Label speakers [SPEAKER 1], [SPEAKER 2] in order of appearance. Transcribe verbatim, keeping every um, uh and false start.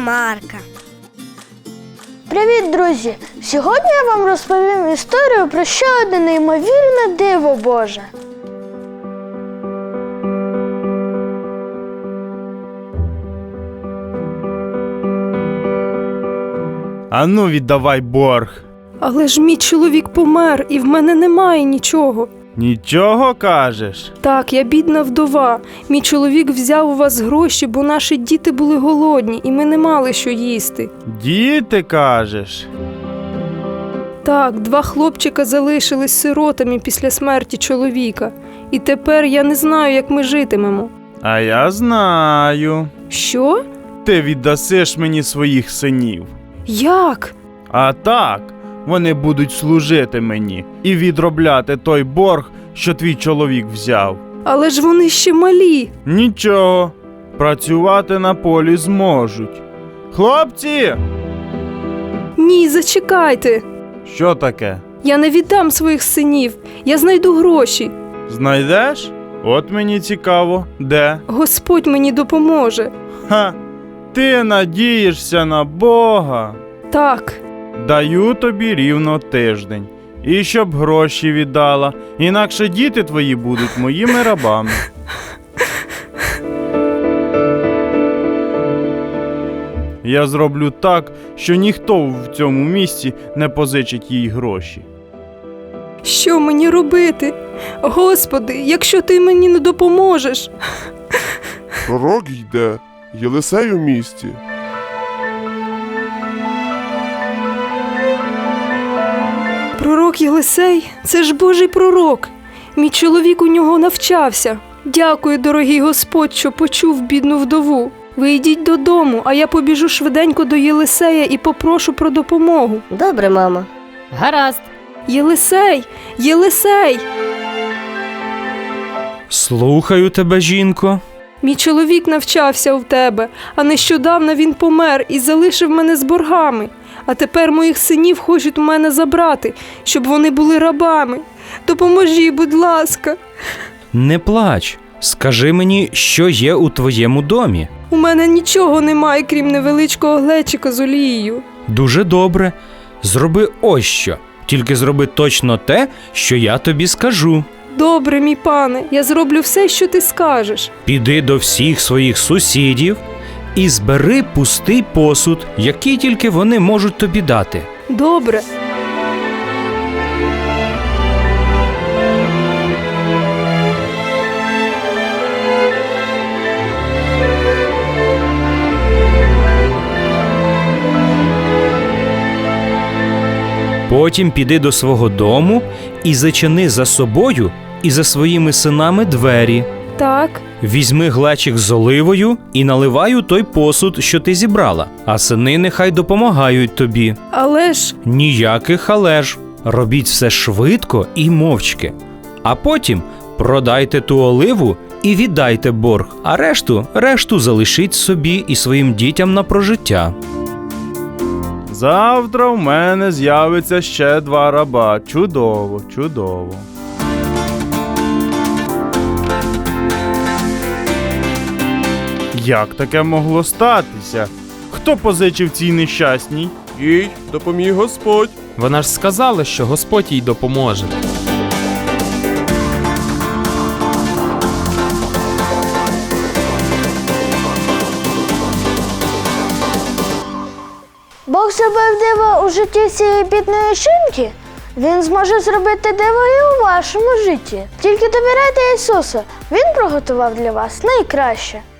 [SPEAKER 1] Марка.
[SPEAKER 2] Привіт, друзі! Сьогодні я вам розповім історію про ще одне неймовірне диво Боже.
[SPEAKER 3] Ану, віддавай борг.
[SPEAKER 4] Але ж мій чоловік помер, і в мене немає нічого.
[SPEAKER 3] Нічого кажеш?
[SPEAKER 4] Так, я бідна вдова. Мій чоловік взяв у вас гроші, бо наші діти були голодні, і ми не мали що їсти.
[SPEAKER 3] Діти, кажеш?
[SPEAKER 4] Так, два хлопчика залишились сиротами після смерті чоловіка. І тепер я не знаю, як ми житимемо.
[SPEAKER 3] А я знаю.
[SPEAKER 4] Що?
[SPEAKER 3] Ти віддасиш мені своїх синів.
[SPEAKER 4] Як?
[SPEAKER 3] А так, вони будуть служити мені і відробляти той борг, що твій чоловік взяв.
[SPEAKER 4] Але ж вони ще малі.
[SPEAKER 3] Нічого, працювати на полі зможуть. Хлопці!
[SPEAKER 4] Ні, зачекайте.
[SPEAKER 3] Що таке?
[SPEAKER 4] Я не віддам своїх синів. Я знайду гроші.
[SPEAKER 3] Знайдеш? От мені цікаво, де?
[SPEAKER 4] Господь мені допоможе.
[SPEAKER 3] Ха! Ти надієшся на Бога?
[SPEAKER 4] Так.
[SPEAKER 3] Даю тобі рівно тиждень. І щоб гроші віддала, інакше діти твої будуть моїми рабами. Я зроблю так, що ніхто в цьому місці не позичить їй гроші.
[SPEAKER 4] Що мені робити? Господи, якщо ти мені не допоможеш.
[SPEAKER 5] Пророк йде, Єлисей у місті.
[SPEAKER 4] Пророк Єлисей? Це ж Божий пророк. Мій чоловік у нього навчався. Дякую, дорогий Господь, що почув бідну вдову. Ви йдіть додому, а я побіжу швиденько до Єлисея і попрошу про допомогу.
[SPEAKER 1] Добре, мамо.
[SPEAKER 6] Гаразд.
[SPEAKER 4] Єлисей! Єлисей!
[SPEAKER 7] Слухаю тебе, жінко.
[SPEAKER 4] Мій чоловік навчався у тебе, а нещодавно він помер і залишив мене з боргами. А тепер моїх синів хочуть у мене забрати, щоб вони були рабами. Допоможи, будь ласка.
[SPEAKER 7] Не плач. Скажи мені, що є у твоєму домі.
[SPEAKER 4] У мене нічого немає, крім невеличкого глечика з олією.
[SPEAKER 7] Дуже добре. Зроби ось що. Тільки зроби точно те, що я тобі скажу.
[SPEAKER 4] Добре, мій пане, я зроблю все, що ти скажеш.
[SPEAKER 7] Піди до всіх своїх сусідів і збери пустий посуд, який тільки вони можуть тобі дати.
[SPEAKER 4] Добре.
[SPEAKER 7] Потім піди до свого дому і зачини за собою і за своїми синами двері.
[SPEAKER 4] Так.
[SPEAKER 7] Візьми глечик з оливою і наливай у той посуд, що ти зібрала, а сини нехай допомагають тобі.
[SPEAKER 4] Але ж...
[SPEAKER 7] Ніяких але ж. Робіть все швидко і мовчки. А потім продайте ту оливу і віддайте борг, а решту, решту залишіть собі і своїм дітям на прожиття.
[SPEAKER 3] Завтра в мене з'явиться ще два раба. Чудово, чудово. Як таке могло статися? Хто позичив цій нещасній?
[SPEAKER 5] Їй допоміг Господь.
[SPEAKER 6] Вона ж сказала, що Господь їй допоможе.
[SPEAKER 2] Бог зробив диво у житті цієї бідної жінки. Він зможе зробити диво і у вашому житті. Тільки довіряйте Ісусу. Він приготував для вас найкраще.